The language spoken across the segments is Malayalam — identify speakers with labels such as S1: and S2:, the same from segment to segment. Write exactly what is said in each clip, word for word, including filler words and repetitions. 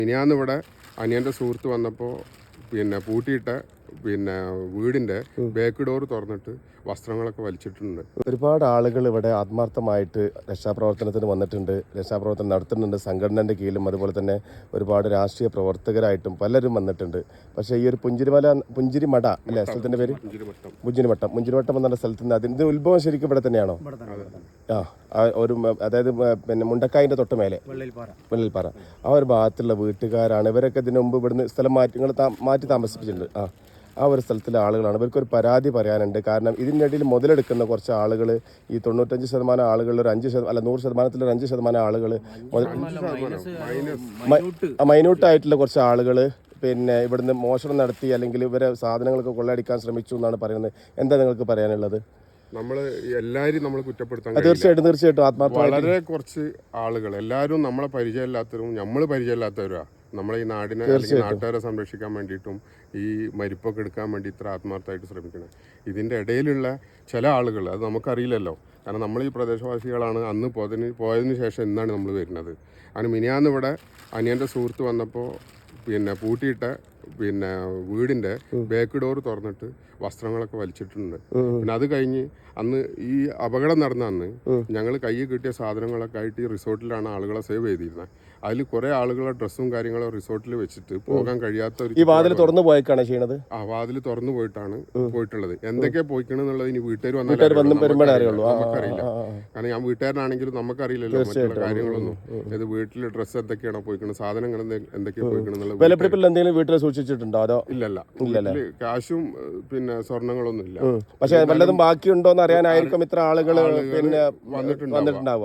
S1: മിനിയാന്ന് ഇവിടെ അനിയൻ്റെ സുഹൃത്ത് വന്നപ്പോൾ പിന്നെ പൂട്ടിയിട്ട പിന്നെ വീടിൻ്റെ ബാക്ക് ഡോർ തുറന്നിട്ട് വസ്ത്രങ്ങളൊക്കെ വലിച്ചിട്ടുണ്ട്.
S2: ഒരുപാട് ആളുകൾ ഇവിടെ ആത്മാർത്ഥമായിട്ട് രക്ഷാപ്രവർത്തനത്തിന് വന്നിട്ടുണ്ട്, രക്ഷാപ്രവർത്തനം നടത്തുന്നുണ്ട്. സംഘടനയുടെ കീഴിലും അതുപോലെ തന്നെ ഒരുപാട് രാഷ്ട്രീയ പ്രവർത്തകരായിട്ടും പലരും വന്നിട്ടുണ്ട്. പക്ഷേ ഈ ഒരു പുഞ്ചിരിമല പുഞ്ചിരിമട അല്ലേ സ്ഥലത്തിൻ്റെ പേര്? പുഞ്ചിരിമട്ടം. പുഞ്ചിരിമട്ടം എന്നുള്ള സ്ഥലത്ത് നിന്ന് അതിൻ്റെ ഉത്ഭവം ശരിക്കും ഇവിടെ തന്നെയാണോ? ആ ഒരു അതായത് പിന്നെ മുണ്ടക്കായൻ്റെ തൊട്ട് മേലെ വെള്ളിൽപ്പാറ ആ ഒരു ഭാഗത്തുള്ള വീട്ടുകാരാണ്. ഇവരൊക്കെ ഇതിനു മുമ്പ് ഇവിടുന്ന് സ്ഥലം മാറ്റി നിങ്ങൾ മാറ്റി താമസിപ്പിച്ചിട്ടുണ്ട്. ആ ആ ഒരു സ്ഥലത്തിലെ ആളുകളാണ്. ഇവർക്കൊരു പരാതി പറയാനുണ്ട്. കാരണം ഇതിൻ്റെ ഇടയിൽ മുതലെടുക്കുന്ന കുറച്ച് ആളുകൾ, ഈ തൊണ്ണൂറ്റഞ്ച് ശതമാനം ആളുകൾ ഒരു അഞ്ച് ശതമാനം അല്ല നൂറ് ശതമാനത്തിൽ ഒരു അഞ്ച് ശതമാനം ആളുകൾ മൈന്യൂട്ടായിട്ടുള്ള കുറച്ച് ആളുകൾ പിന്നെ ഇവിടുന്ന് മോഷണം നടത്തി അല്ലെങ്കിൽ ഇവരെ സാധനങ്ങളൊക്കെ കൊള്ളയടിക്കാൻ ശ്രമിച്ചു എന്നാണ് പറയുന്നത്. എന്താ നിങ്ങൾക്ക് പറയാനുള്ളത്?
S1: നമ്മൾ എല്ലാവരും നമ്മൾ കുറ്റപ്പെടുത്താൻ
S2: തീർച്ചയായിട്ടും തീർച്ചയായിട്ടും ആത്മാർത്ഥമായി
S1: വളരെ കുറച്ച് ആളുകൾ, എല്ലാവരും നമ്മളെ പരിചയമില്ലാത്തവരും നമ്മൾ പരിചയമില്ലാത്തവരാ നമ്മളെ ഈ നാടിനെ അല്ലെങ്കിൽ നാട്ടുകാരെ സംരക്ഷിക്കാൻ വേണ്ടിയിട്ടും ഈ മരിപ്പൊക്കെ എടുക്കാൻ വേണ്ടി ഇത്ര ആത്മാർത്ഥമായിട്ട് ശ്രമിക്കണം. ഇതിൻ്റെ ഇടയിലുള്ള ചില ആളുകൾ, അത് നമുക്കറിയില്ലല്ലോ, കാരണം നമ്മൾ ഈ പ്രദേശവാസികളാണ്. അന്ന് പോയതിന് പോയതിന് ശേഷം ഇന്നാണ് നമ്മൾ വരുന്നത്. അങ്ങനെ മിനിയാന്ന് ഇവിടെ അനിയൻ്റെ സുഹൃത്ത് വന്നപ്പോൾ പിന്നെ പൂട്ടിയിട്ട പിന്നെ വീടിൻ്റെ ബാക്ക് ഡോർ തുറന്നിട്ട് വസ്ത്രങ്ങളൊക്കെ വലിച്ചിട്ടുണ്ട്. പിന്നെ അത് കഴിഞ്ഞ് അന്ന് ഈ അപകടം നടന്ന അന്ന് ഞങ്ങൾ കയ്യിൽ കിട്ടിയ സാധനങ്ങളൊക്കെ ആയിട്ട് ഈ റിസോർട്ടിലാണ് ആളുകളെ സേവ് ചെയ്തിരുന്നത്. അതിൽ കുറെ ആളുകളെ ഡ്രസ്സും കാര്യങ്ങളും റിസോർട്ടിൽ വെച്ചിട്ട് പോകാൻ കഴിയാത്ത ഒരു
S2: ഈ വാതിൽ തുറന്നു പോയിക്കാണ് ചെയ്യണത്.
S1: ആ വാതിൽ തുറന്നു പോയിട്ടാണ് പോയിട്ടുള്ളത്. എന്തൊക്കെയാ പോയിക്കണെന്നുള്ളത് ഇനി വീട്ടുകാർ
S2: വന്നാൽ
S1: നമുക്കറിയില്ല. കാരണം ഞാൻ വീട്ടുകാരനാണെങ്കിലും നമുക്കറിയില്ലല്ലോ മറ്റുള്ള കാര്യങ്ങളൊന്നും. ഇത് വീട്ടിൽ ഡ്രസ്സ് എന്തൊക്കെയാണോ പോയിക്കണം, സാധനങ്ങൾ എന്തൊക്കെയാ പോയിക്കണെന്നുള്ളത്
S2: വീട്ടിൽ സൂക്ഷിച്ചിട്ടുണ്ടോ? അതോ
S1: ഇല്ലല്ല, കാശും പിന്നെ സ്വർണങ്ങളൊന്നും ഇല്ല.
S2: പക്ഷെ വല്ലതും ബാക്കിയുണ്ടോ എന്ന് അറിയാനായിരിക്കും ഇത്ര ആളുകൾ പിന്നെ വന്നിട്ടുണ്ടാവുക.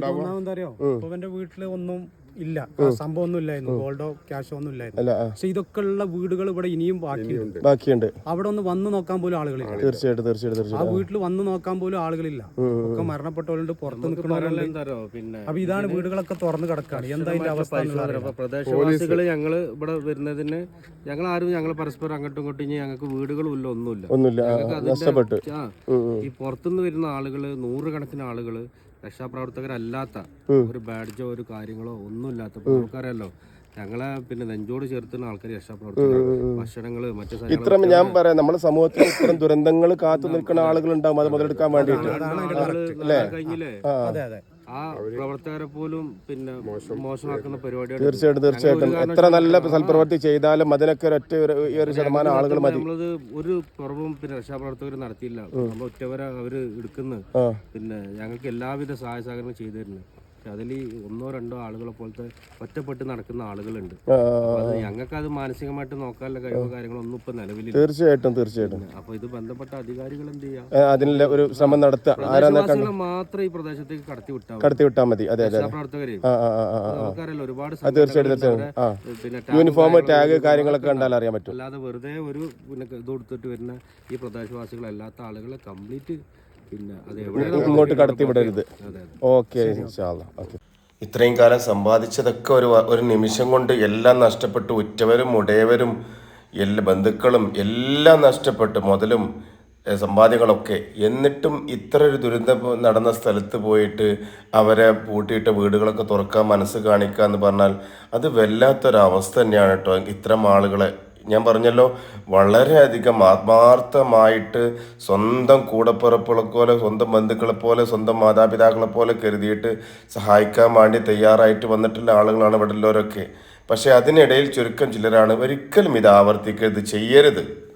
S3: വീട്ടില് ഒന്നും ഇല്ല, സംഭവം ഒന്നും ഇല്ലായിരുന്നു, ഗോൾഡോ ക്യാഷോ ഒന്നും ഇല്ലായിരുന്നു. പക്ഷെ ഇതൊക്കെ ഉള്ള വീടുകൾ ഇവിടെ ഇനിയും ബാക്കിയുണ്ട്
S2: ബാക്കിയുണ്ട്
S3: അവിടെ ഒന്ന് വന്ന് നോക്കാൻ പോലും ആളുകളില്ല.
S2: തീർച്ചയായിട്ടും തീർച്ചയായിട്ടും
S3: ആ വീട്ടിൽ വന്ന് നോക്കാൻ പോലും ആളുകളില്ല. ഒക്കെ മരണപ്പെട്ടവരുണ്ട്, പുറത്ത് നിൽക്കുന്നവരുണ്ട്. അപ്പൊ ഇതാണ് വീടുകളൊക്കെ തുറന്നു കിടക്കാണ്. എന്താ അതിന്റെ അവസ്ഥ?
S4: പ്രദേശവാസികള് ഞങ്ങള് ഇവിടെ വരുന്നതിന് ഞങ്ങൾ ആരും ഞങ്ങൾ പരസ്പരം അങ്ങോട്ടും ഇങ്ങോട്ടും ഇനി ഞങ്ങൾക്ക് വീടുകളും ഇല്ല, ഒന്നുമില്ല
S2: ഒന്നുമില്ല.
S4: ഈ പുറത്തുനിന്ന് വരുന്ന ആളുകള് നൂറുകണക്കിന് ആളുകള് രക്ഷാപ്രവർത്തകരല്ലാത്ത ഒരു ബാഡ്ജോ ഒരു കാര്യങ്ങളോ ഒന്നും ഇല്ലാത്ത നമുക്കറിയാലോ. ഞങ്ങളെ പിന്നെ നെഞ്ചോട് ചേർത്തുന്ന ആൾക്കാർ രക്ഷാപ്രവർത്തകർ, ഭക്ഷണങ്ങള് മറ്റു
S2: ഇത്ര ഞാൻ പറയാം നമ്മുടെ സമൂഹത്തിൽ ഇത്തരം ദുരന്തങ്ങൾ കാത്തു നിൽക്കുന്ന ആളുകൾ ഉണ്ടാവും അത് മുതലെടുക്കാൻ വേണ്ടിയിട്ട്.
S4: കഴിഞ്ഞില്ലേ ആ പ്രവർത്തകരെ പോലും പിന്നെ മോശമാക്കുന്ന പരിപാടിയാണ്.
S2: തീർച്ചയായിട്ടും തീർച്ചയായിട്ടും എത്ര നല്ല സൽപ്രവൃത്തി ചെയ്താലും അതിനൊക്കെ ഒറ്റ ഒരു ശതമാനം ആളുകൾ മതി.
S4: നമ്മളത് ഒരു കുറവും പിന്നെ രക്ഷാപ്രവർത്തകർ നടത്തിയില്ല. നമ്മൾ ഒറ്റവരെ അവര് എടുക്കുന്നു. പിന്നെ ഞങ്ങൾക്ക് എല്ലാവിധ സഹായ സഹകരണം ചെയ്തു തരുന്നു. അതിൽ ഒന്നോ രണ്ടോ ആളുകളെ പോലത്തെ ഒറ്റപ്പെട്ട് നടക്കുന്ന ആളുകളുണ്ട്. ഞങ്ങൾക്ക് അത് മാനസികമായിട്ട് നോക്കാനുള്ള കഴിവോ കാര്യങ്ങളൊന്നും ഇപ്പൊ നിലവിലില്ല.
S2: തീർച്ചയായിട്ടും തീർച്ചയായിട്ടും
S4: അപ്പൊ ഇത് ബന്ധപ്പെട്ട അധികാരികൾ എന്ത് ചെയ്യാം,
S2: അതിനുള്ള ഒരു ശ്രമം നടത്തുക.
S4: മാത്രം ഈ പ്രദേശത്തേക്ക് കടത്തി വിട്ടാൽ
S2: കടത്തി വിട്ടാൽ മതി. അതെ അതെ
S4: പ്രവർത്തകര് നമുക്കറിയാലോ ഒരുപാട്
S2: പിന്നെ യൂണിഫോം ടാഗ് കാര്യങ്ങളൊക്കെ കണ്ടാൽ അറിയാൻ പറ്റും.
S4: അല്ലാതെ വെറുതെ ഒരു പിന്നെ ഇത് കൊടുത്തിട്ട് വരുന്ന ഈ പ്രദേശവാസികളല്ലാത്ത ആളുകളെ കംപ്ലീറ്റ്
S2: ഇങ്ങോട്ട് കടത്തി വിടരുത്. ഓക്കെ, ഇത്രയും കാലം സമ്പാദിച്ചതൊക്കെ ഒരു ഒരു നിമിഷം കൊണ്ട് എല്ലാം നഷ്ടപ്പെട്ടു. ഉറ്റവരും ഉടയവരും എല്ലാ ബന്ധുക്കളും എല്ലാം നഷ്ടപ്പെട്ടു, മുതലും സമ്പാദ്യങ്ങളൊക്കെ. എന്നിട്ടും ഇത്ര ഒരു ദുരന്തം നടന്ന സ്ഥലത്ത് പോയിട്ട് അവരെ പൂട്ടിയിട്ട വീടുകളൊക്കെ തുറക്കാൻ മനസ്സ് കാണിക്കുക എന്ന് പറഞ്ഞാൽ അത് വല്ലാത്തൊരവസ്ഥ തന്നെയാണ് കേട്ടോ. ഇത്തരം ആളുകളെ ഞാൻ പറഞ്ഞല്ലോ, വളരെയധികം ആത്മാർത്ഥമായിട്ട് സ്വന്തം കൂടപ്പിറപ്പുകളെ പോലെ, സ്വന്തം ബന്ധുക്കളെ പോലെ, സ്വന്തം മാതാപിതാക്കളെ പോലെ കരുതിയിട്ട് സഹായിക്കാൻ വേണ്ടി തയ്യാറായിട്ട് വന്നിട്ടുള്ള ആളുകളാണ് ഇവിടെ ഉള്ളവരൊക്കെ. പക്ഷേ അതിനിടയിൽ ചുരുക്കം ചിലരാണ് ഒരിക്കലും ഇത് ആവർത്തിക്കരുത്, ചെയ്യരുത്.